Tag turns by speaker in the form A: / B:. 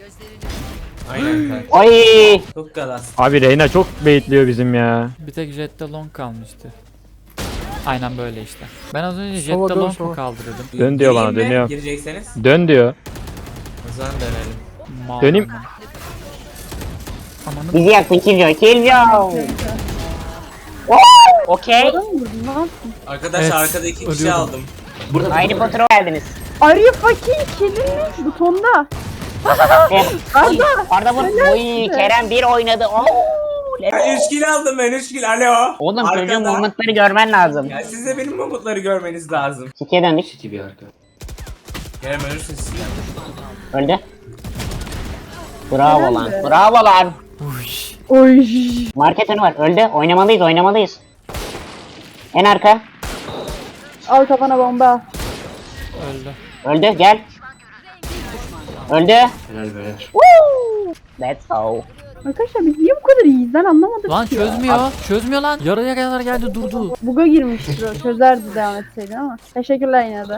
A: Aynen kanka.
B: Ay.
A: Çok galas.
C: Abi Reyna çok baitliyor bizim ya.
D: Bir tek Jette long kalmıştı. Aynen böyle işte. Ben az önce
E: Sova
D: Jette
E: dön,
D: long
E: sova.
D: mu kaldırdım?
C: Dön diyor bana,
A: Gireyim mi?
C: dönüyor.
A: Girecekseniz.
C: Dön diyor.
A: O zaman dönelim.
D: Mal
C: Döneyim.
D: aman. Amanı
B: Bizi yaktın Killjoy. Killjoy. Okey.
F: Adam vurdun ne yaptın?
A: Arkadaş
D: Evet,
A: arkada iki kişi
D: ölüyordum.
A: aldım.
B: Aynı Potter'a geldiniz.
F: Are you fucking kidding me? Butonda.
B: Arda vur. Oy Kerem bir oynadı. Oo.
A: Ben 3 kill aldım ben 3 kill. Alo.
B: Oğlum çocuğun
A: Arkada.
B: momentları görmen lazım.
A: Ya siz de benim umutları görmeniz lazım.
B: City'ye döndük.
A: Kerem ölürsün siz.
B: Öldü. Bravo
F: Helal
B: lan.
F: be.
B: Bravo lan.
D: Uş.
F: Oy.
B: Market önü var. Öldü. Oynamalıyız oynamalıyız. En arka.
F: Al kafana bomba.
D: Öldü.
B: Öldü gel. Öldü.
A: Helal be.
B: Woo! Let's go.
F: Arkadaşlar biz niye bu kadar iyiyiz? Ben anlamadım
D: Lan
F: ki ya.
D: çözmüyor. Çözmüyor lan. Yarıya kadar geldi durdu.
F: Buga girmiştir o. Çözerdi devam etseydi ama. Teşekkürler yine de.